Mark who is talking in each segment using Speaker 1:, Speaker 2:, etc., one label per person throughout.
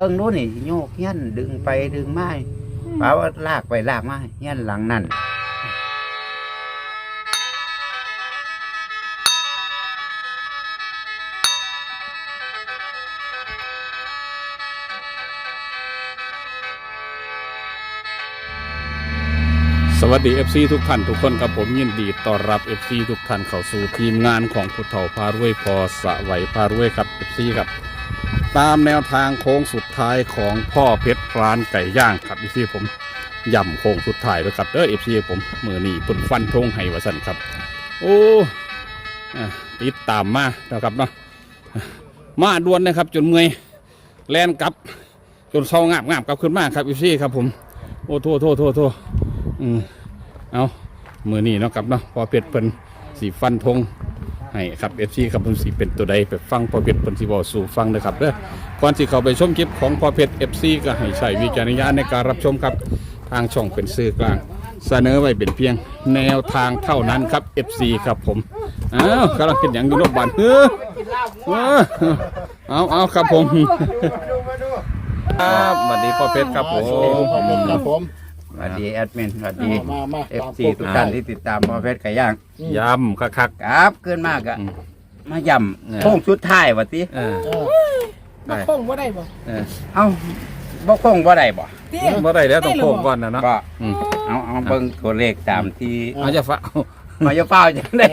Speaker 1: บิ่งนู้นนี่โยกเฮี้ยนดึงไปดึงมาป่าว่าลากไปลากมาเฮี้ยนหลังนั่น
Speaker 2: สวัสดี FC ทุกท่านทุกคนครับผมยินดีต้อนรับ FC ทุกท่านเข้าสู่ทีมงานของผู้เฒ่าพารวยพอสะไหวพารวยครับ FC ครับตามแนวทางโค้งสุดท้ายของพ่อเพชรร้านไก่ย่างครับ FC ผมย่ำโค้งสุดท้ายด้วยครับFC ผมมือนี่ปุ่นฟันธงให้วาสันครับโอ้ติดตามมาแล้วครับเนาะมาดวนนะครับจนเมื่อยแลนกลับจนเศร้างาบกลับขึ้นมาครับ FC ครับผมโอ้โทษเอามือนี่เนาะครับเนาะพอเป็ดเพิ่นสีฟันธงให้ครับFCครับเพิ่นสีเป็นตัวใดไปฟังพอเป็ดเพิ่นสิบอกสู่ฟังนะครับเด้อก่อนสิเข้าไปชมคลิปของพอเป็ด FC ก็ให้ใช้วิจารณญาณในการรับชมครับทางช่องเป็นสื่อกลางเสนอไว้เป็นเพียงแนวทางเท่านั้นครับ FC ครับผมกำลังเป็นอย่างอยู่รอบบ้านเอาครับผมครับสวัสดีพ่อเพชรครับผม
Speaker 1: สวัสดีแอดมินสวัสดีFC ทุกท่านที่ติดตามพ่อเพชรไก่ย่าง
Speaker 2: ยำคัก
Speaker 1: ครับขึ้นมากอะมาย่ำโค้งสุดท้ายวะติ
Speaker 3: บ่โค้งบ่ได้บ่
Speaker 1: เอ้าบ่โค้งบ่ได้บ่
Speaker 2: บ่ได้แล้วต้องโค้งก่อนนะเนาะ
Speaker 1: เอาเบิ่งตัวเลขตามที่
Speaker 2: เอาจะฟ้า
Speaker 1: มาจะเฝ้าจังได๋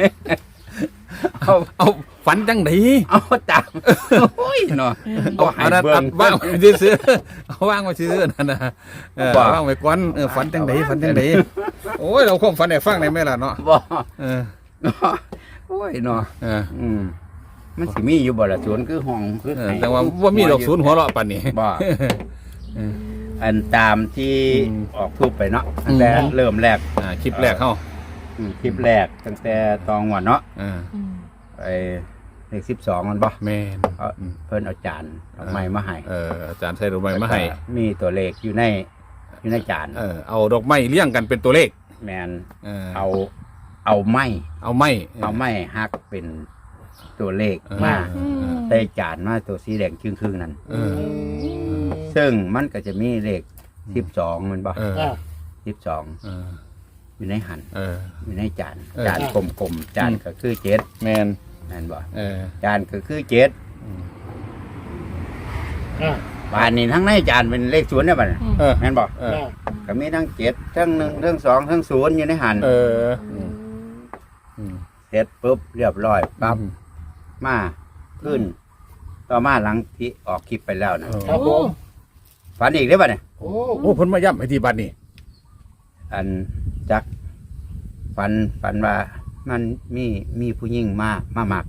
Speaker 2: เอาฝันจังได๋
Speaker 1: เอาตามโอ้ยเนาะ
Speaker 2: เอาให้เบิ่งว่างไว้ซื่อเอาว่างไว้ซื่อนั่นน่ะว่างไว้ก่อนฝันจังได๋โอ้ยเราความฝันให้ฟังได้มั้ยล่ะเนาะ
Speaker 1: บ่โอ้ยเนาะมันสิมีอยู่บ่ล่ะสวนคือห้องคือ
Speaker 2: แต่ว่าบ่มีดอกศูนย์หัวเราะปานนี้
Speaker 1: บ่อันตามที่ออกทูบไปเนาะตั้งแต่เริ่มแรก
Speaker 2: คลิปแรกเฮา
Speaker 1: คลิปแรกตั้งแต่ตองวันเนาะไปเลข12มันบ่
Speaker 2: แม่น
Speaker 1: เพิ่นเอาจานดอกไม้มาให้
Speaker 2: อาจารย์ใส่ดอกไม้มาให้
Speaker 1: มีตัวเลขอยู่ในจาน
Speaker 2: เอาดอกไม้เรียงกันเป็นตัวเลข
Speaker 1: แม่นเอาไม้ฮักเป็นตัวเลขมาใส่จานมาตัวสีแดงครึ่งๆนั่นซึ่งมันก็จะมีเลข12มันบ่12อยู่ในหันอยู่ในจานกลมๆจานก็คือ7
Speaker 2: แมน
Speaker 1: บ่จานก็คือ7บานนี้ทั้งในจานเป็นเลข0ได้บ่แม่นบ่ก็มีทั้ง7ทั้ง1ทั้ง2ทั้ง0อยู่ในหันเสร็จปุ๊บเรียบร้อยปั๊บมาขึ้นต่อมาหลังที่ออกคลิปไปแล้วนะครับผมฝันอีกได้บ่เนี่ย
Speaker 2: โอ้เพิ่นมาย้ำให้ที่บัดนี้
Speaker 1: อันจักฝันว่ามันมีผู้หญิงมาหมัก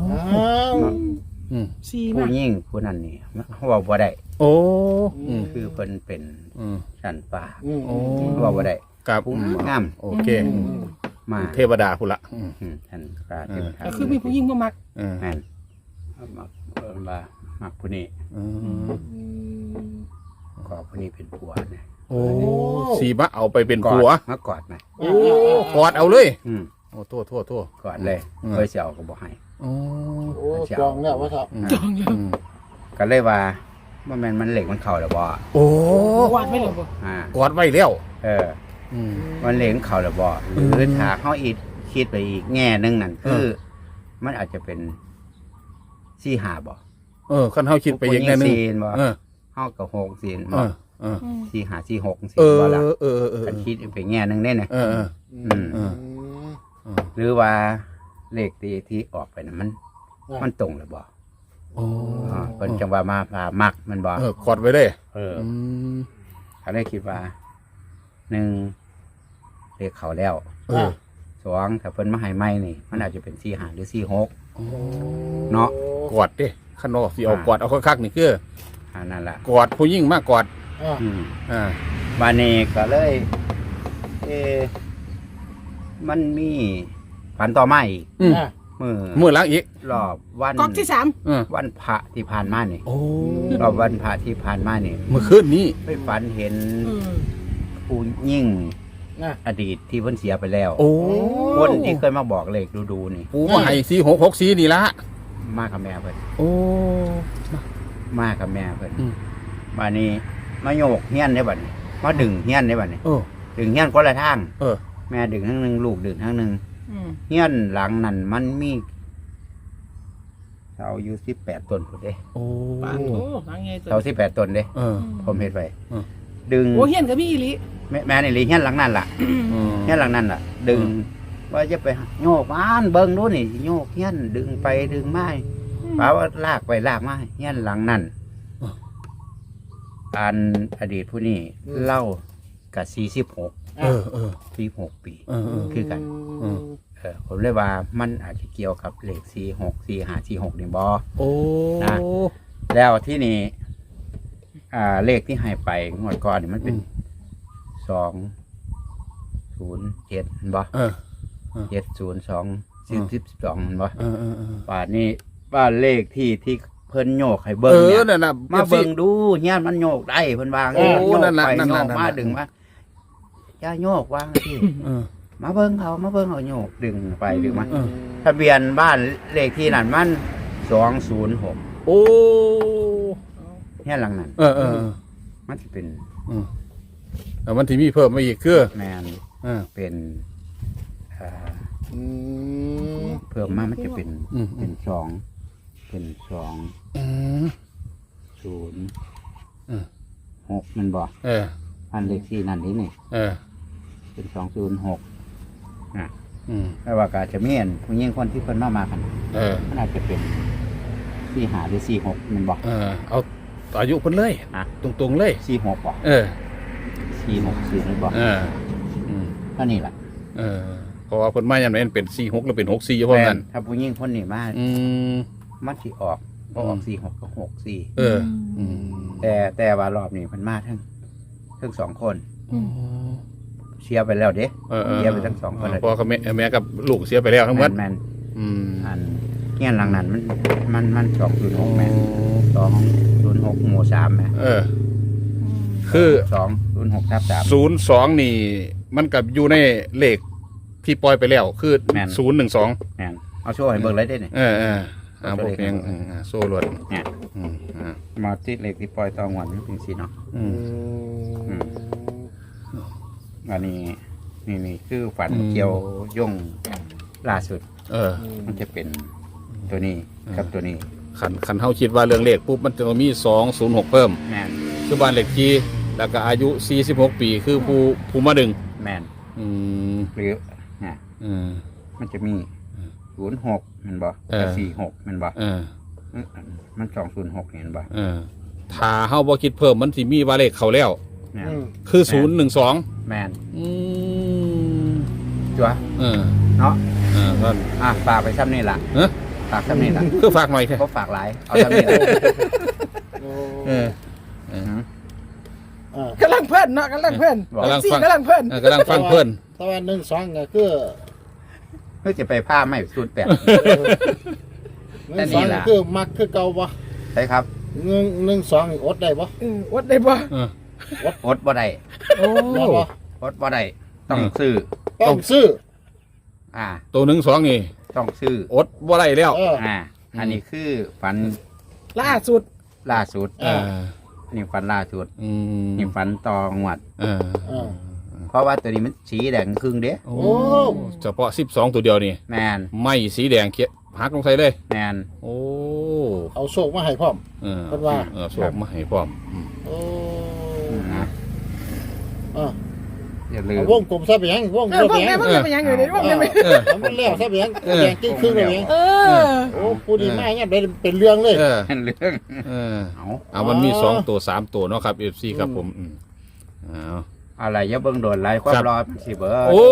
Speaker 1: ผู้หญิงผู้นั้นนี่เขาว่าบ่ได้คือเพิ่นเป็นสันป่าเขาว่าบ่ได้
Speaker 2: กับ
Speaker 1: งาม
Speaker 2: โอเค
Speaker 1: มา
Speaker 2: เทวดาพุ่นละ
Speaker 1: สันป่าเทวดา
Speaker 3: คือมีผู้หญิงมามัก
Speaker 1: แม่นมักผู้นี้ก็ผู้นี้เป็นผัวนะ
Speaker 2: โอ้สีมาเอาไปเป็นผัว
Speaker 1: มากอดไหม
Speaker 2: โอ้กอดเอาเลยโอ้โทษ
Speaker 1: กอดเลยเคยเสียวก็บอกให้
Speaker 3: โอ้จองแล้ววะครับจองแล้ว
Speaker 1: ก็เลยว่ามันเหล็กมันเข่าแล้วบ่
Speaker 2: โอ้
Speaker 3: กอดไว้แล้วบ่
Speaker 2: กอดไว้แล้ว
Speaker 1: มันเหล็กเข่าแล้วบ่หรือถ้าเขาอีกคิดไปอีกแง่นึงนั่นคือมันอาจจะเป็น4-5บ่
Speaker 2: คันเฮาคิดไปอีกแง่นึง
Speaker 1: บ่เฮาก็6ซีนบ่4-5 4-6ซีนบ่ล่ะคันคิดไปแง่นึงได้นะหรือว่าเลขที่ออกไปน่ะมันตรงหรือบ่เพิ่นจังว่ามาพามักมันบ่
Speaker 2: กอดไว้เลย
Speaker 1: เขาได้คิดว่า1เลขเขาแล้ว2ถ้าเพิ่นมาให้ใหม่นี่มันอาจจะเป็น4-5หรือ4-6เนาะ
Speaker 2: กอดดิคันสิเอากอดเอาคักๆนี่คือ
Speaker 1: นั่นล่ะ
Speaker 2: กอดผู้หญิงมากกอด
Speaker 1: วันนี้ก็เลยมันมีฝันต่อมาอีก
Speaker 2: มือหลังอีก
Speaker 1: รอบวัน
Speaker 3: ก๊อกที่3
Speaker 1: วันพระที่ผ่านมานี่รอบวันพระที่ผ่านมานี่
Speaker 2: เมื่อคืนนี้
Speaker 1: ไปฝันเห็นผู้หญิงอดีตที่เพิ่นเสียไปแล้วคนที่เคยมาบอกเลขดูนี่
Speaker 2: ปู่มาให้4-6-6-4นี่ละ
Speaker 1: มากับแม่เพิ่นมากับแม่เพิ่นบัดนี้มาโยกเฮียนได้บัดนี้มาดึงเฮียนได้บัดนี้ดึงเฮียนคนละทางแม่ดึงทางนึงลูกดึงทางนึงเฮียนหลังนั้นมันมีเสาอยู่18 ต้นพุ่นเด้
Speaker 2: โอ้
Speaker 3: ปานโอ้หลังไง
Speaker 1: เสา18 ต้นเด้ผมเฮ็ดไว้ดึง
Speaker 3: โอ้เฮียนก็มีอีหลี
Speaker 1: แม่นี่ลีเฮียนหลังนั้นล่ะเฮียนหลังนั้นล่ะ ดึงว่าจะไปโยกบ้านเบิ่งดูนี่โยกเฮียนดึงไปดึงมาป่าว่าลากไปลากมาเฮียนหลังนั้นอันอดีตผู้นี้เล่ากับ46 ปีคือกันผมเลยว่ามันอาจจะเกี่ยวกับเลข46 45 46นี่บ่
Speaker 2: โอ้
Speaker 1: นะแล้วที่นี่เลขที่ให้ไปงวดก่อนนี่มันเป็น207เห็นบ่702 12บ่ป่านนี้บ้านเลขที่เพิ่นโยกให้เบิ่งเนี่ย
Speaker 2: นั่นน่ะ
Speaker 1: มาเบิ่งดูเฮียนมันโยกได้เพิ่นวาง
Speaker 2: โอ้
Speaker 1: โยก
Speaker 2: นั่นน่ะ
Speaker 1: ไป
Speaker 2: นั่น
Speaker 1: โย
Speaker 2: น่ะ
Speaker 1: กมาดึงมาอย่าโยกวางที่มาเบิ่งเอาโยกดึงไปดึงมาทะเบียนบ้านเลขที่นั่นมัน206
Speaker 2: โอ้
Speaker 1: เฮียนหลังนั้น มันสิเป็น
Speaker 2: แล้วมันที่มีเพิ่มมาอีกคือ
Speaker 1: แมนเป็นเพิ่มมามันจะเป็น206มันบอกอันเลขที่นั่นนี่นี่เป็น206แต่ว่าก็จะมีอันผู้หญิงคนที่เพิ่นมากันมันอาจจะเป็น45หรือ46มันบอก
Speaker 2: เอาอายุเพิ่นเลยตรงๆเลย
Speaker 1: 46บอก46นี่บอกก็นี่แหละ
Speaker 2: เพราะว่าเพิ่นมาอย่างนั้นเป็น46หรือเป็น64เพราะงั้น
Speaker 1: ถ้าผู้หญิงคนนี้มามันสิออกบ่ออก46ก็64แต่ว่ารอบนี้เพิ่นมาทั้ง2คนเสียไปแล้วเด้เสียไปทั้ง2คนเลย
Speaker 2: พ่อกับแม่กับลูกเสียไปแล้วทั้งหมด
Speaker 1: แม่นอันเงี้ยหลังนั้นมัน206แม่น206หมู่3แม่
Speaker 2: คือ
Speaker 1: 206/3
Speaker 2: 02นี่มันกับอยู่ในเลขที่ปล่อยไปแล้วคือ012
Speaker 1: แม่นเอาโชว์ให้เบิ่งเลยได้นี่
Speaker 2: บ่เพียงโซ่ลวด
Speaker 1: เนี่ยมาที่เลขที่ปล่อยตองวันนี่เป็นสิเนาะอันนี้นี่คือฝันเกี่ยวย่งล่าสุดมันจะเป็นตัวนี้กับตัวนี้
Speaker 2: ขันเฮาคิดว่าเรื่องเลขปุ๊บมันจะมี206เพิ่ม
Speaker 1: แม่น
Speaker 2: คือบ้านเลขที่แล้วก็อายุ46ปีคือผู้มาดึง
Speaker 1: แม่นหรือมันจะมี06มันบ่46มันบ่มัน206เห็นบ่
Speaker 2: ถ้าเฮาบ่คิดเพิ่มมันสิมีว่าเลขเข้าแล้วคือ012
Speaker 1: แม่นจัวเนาะฝากไปซ้ำนี่ล่ะฝากซ้ำนี่ล่ะ
Speaker 2: คือฝากหน่อยแค่
Speaker 1: บ่ฝากหลายเอาซ้ำนี่ล่ะ
Speaker 3: กำลังเพิ่นเนาะกำลังเพิ่นกำลังฟังเพิ่น
Speaker 2: กำลังฟังเพิ่น
Speaker 3: ตะวัน1-2ก็คือ
Speaker 1: จะไปผ้าไม่สูตร8
Speaker 3: แต่นี่ล่ะคือมักคือเก่าบ่
Speaker 1: ใช่ครับ
Speaker 3: 1-2อดได้บ่อดได้บ่
Speaker 1: อดบ่ได้อดบ่ได้ต้องซื้อ
Speaker 2: ตัว1-2นี่
Speaker 1: ต้องซื้อ
Speaker 2: อดบ่ได้แล้ว
Speaker 1: อันนี้คือฝัน
Speaker 3: ล่าสุด
Speaker 1: นี่ฝันล่าสุดนี่ฝันตองวดเพราะว่าตัวนี้มันสีแดงครึ่งเด้
Speaker 2: โอ้เฉพาะ12ตัวเดียวนี่
Speaker 1: แมน
Speaker 2: ไม่สีแดงเขียหักลงใส่เลย
Speaker 1: แมน
Speaker 2: โอ้
Speaker 3: เอาโชคมาให้พร้อมเพิ่นว่า
Speaker 2: โชคมาให้พร้อม
Speaker 3: โอ้
Speaker 1: อย่าลืม
Speaker 3: วงกลมซะไปยังวงกลมไปยังอยู่ในวงได้มั้ยมันแล้วซะไปยังแดงครึ่งเลยโอ้ผู้ดีมากเนี่ยเป็นเรื่องเลย
Speaker 1: เป็นเรื่อง
Speaker 2: เอามันมี2ตัว3ตัวเนาะครับ FC ครับผม
Speaker 1: อะไรอย่าเบิ่งโดนไรความรอสิเบิ่ง
Speaker 2: โอ้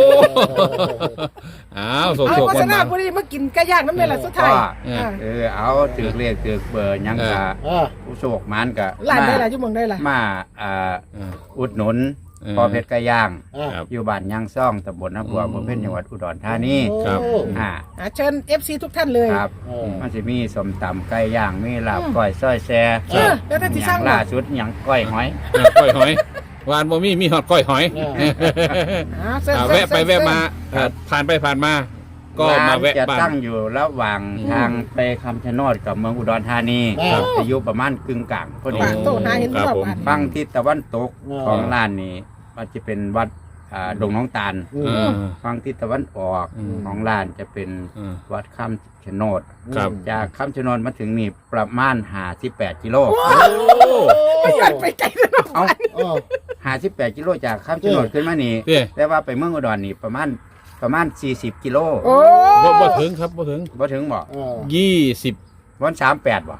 Speaker 2: โชคๆ
Speaker 3: มันมาพอดีมากินไก่ย่างน้ำเมล่ะสุดท้าย
Speaker 1: เอาถือเลขถือเบอร์ยังกะผู้โชคมันกะ
Speaker 3: ร้านได้ล่ะอยู่เมืองได้ล่ะ
Speaker 1: มาอุดหนุนพอเพชรไก่ย่างอยู่บ้านยางซ่องตำบลน้ำบัวอำเภอเพ็ญจังหวัดอุดรธานี
Speaker 2: ครับ
Speaker 3: เชิญ FC ทุกท่านเลย
Speaker 1: ครับมันจะมีส้มตำไก่ย่างมีลาบก้อยซอยแซ่
Speaker 3: แล้วที่สร้าง
Speaker 1: ล่าสุดหยังก้อยหอย
Speaker 2: หวานบ่มีฮอดก้อยหอยแวะไปแวะมาผ่านไปผ่านมาก็มาแวะ
Speaker 1: จะ
Speaker 2: บ้าน
Speaker 1: ตั้งอยู่ระหว่างทางไปคำชะโนดกับเมืองอุดรธานี
Speaker 3: ครับ
Speaker 1: อายุประมาณกึ่งกลางพอดี
Speaker 4: ปากโตหาเห็น
Speaker 2: ครับ
Speaker 4: รอบ
Speaker 2: ผม
Speaker 4: บ้าน
Speaker 1: ฝั่งทิศตะวันตกของร้านนี้มันจะเป็นวัดดงน้องตาล
Speaker 2: เออ
Speaker 1: ฝั่งทิศตะวันออก
Speaker 2: อืม
Speaker 1: ของร้านจะเป็น
Speaker 2: เออ
Speaker 1: วัดคำชะโนด
Speaker 2: ครับ
Speaker 1: จากคำชะโนดมาถึงนี่ประมาณ58กิโล
Speaker 2: โอ้
Speaker 4: ไม่อยากไปไกลเลยเนาะ
Speaker 1: เอา
Speaker 3: เออ
Speaker 1: 58กิโลจากคำชะโนดขึ้นมานี่
Speaker 2: เด้
Speaker 1: แต่ว่าไปเมืองอุดรนี่ประมาณ40กิโล
Speaker 4: โอ้
Speaker 2: บ่ถึงครับบ่ถึง
Speaker 1: บ่ถึงบ่
Speaker 3: เออ
Speaker 2: 20
Speaker 1: วัน38บ่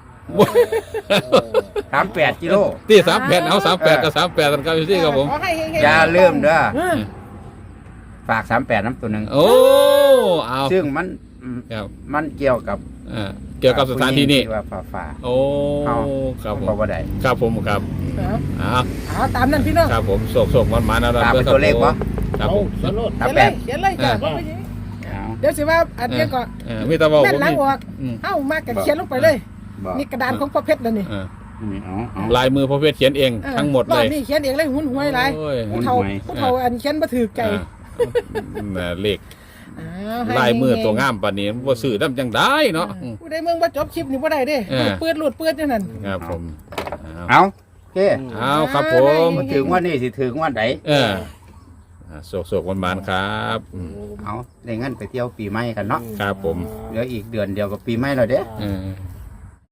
Speaker 1: 38กิโล
Speaker 2: ที่38เอา38กับ38กันครับพี่ครับผม
Speaker 4: ขอให้เฮงๆ
Speaker 1: อย่าลืมเด้อ
Speaker 4: เออ
Speaker 1: ฝาก38น้ำตัวหนึ่ง
Speaker 2: โอ้เอา
Speaker 1: ซึ่งมัน
Speaker 2: ครับ
Speaker 1: มันเกี่ยวกับ
Speaker 2: เกี่ยวกับสถานที่นี้
Speaker 1: ผู้หญิงว่าฝ่า
Speaker 2: โอ้ครับผม
Speaker 1: บอกว่าใด
Speaker 2: ครับผมครับ
Speaker 4: เอา
Speaker 2: อ่า
Speaker 4: เอาตามนั้นพี่น้อง
Speaker 2: ครับผมโศกมันมาแล้ว
Speaker 1: ตามเป็นตัวเลขปะ
Speaker 2: ครับ
Speaker 3: เอา
Speaker 2: ผม
Speaker 3: สนุก
Speaker 4: เขียนเลยเขียนเลยจ้ะบ่ไปยิง
Speaker 1: เอา
Speaker 4: เดี๋ยวสิว่าอันนี้ก็
Speaker 2: มีตะวัน
Speaker 4: แม่
Speaker 2: ผ
Speaker 4: น
Speaker 2: ม
Speaker 4: หลัง
Speaker 2: นี่
Speaker 4: ออกเอ้ามากก็เขียนลงไปเลย
Speaker 1: บอก
Speaker 4: นี่กระดานของพ่อเพชรแล้วนี่
Speaker 1: เอา
Speaker 2: ลายมือพ่อเพชรเขียนเองทั้งหมด
Speaker 4: ร
Speaker 2: เล
Speaker 4: อบ
Speaker 2: ย
Speaker 4: นี้เขียนเองเลยหุ่นหวยหลาย
Speaker 2: โอ้ย
Speaker 4: ผู้เฒ่าผู้เฒ่าอันเขียนบ่ถือใจ
Speaker 2: เลข
Speaker 4: อ้าวให้
Speaker 2: ลายมือตัวงามปานนี้บ่ซื้อน้ำจังได้เนาะ
Speaker 4: ผู้ใดเมืองบ่จบคลิปนี่บ่ได้เด้
Speaker 2: เออ
Speaker 4: เปื้อนหลุดเปื้อนจังนั้น
Speaker 2: ครับผม
Speaker 1: เอาโอเค
Speaker 2: เอาครับผม
Speaker 1: มาถึงวันนี้สิถึงวันไหน
Speaker 2: โศกมันครับ
Speaker 1: เอาในงั้นไปเที่ยวปีใหม่กันเนาะ
Speaker 2: ครับผม
Speaker 1: เหลืออีกเดือนเดียวกับปีใหม่แล้วเด้
Speaker 2: เออ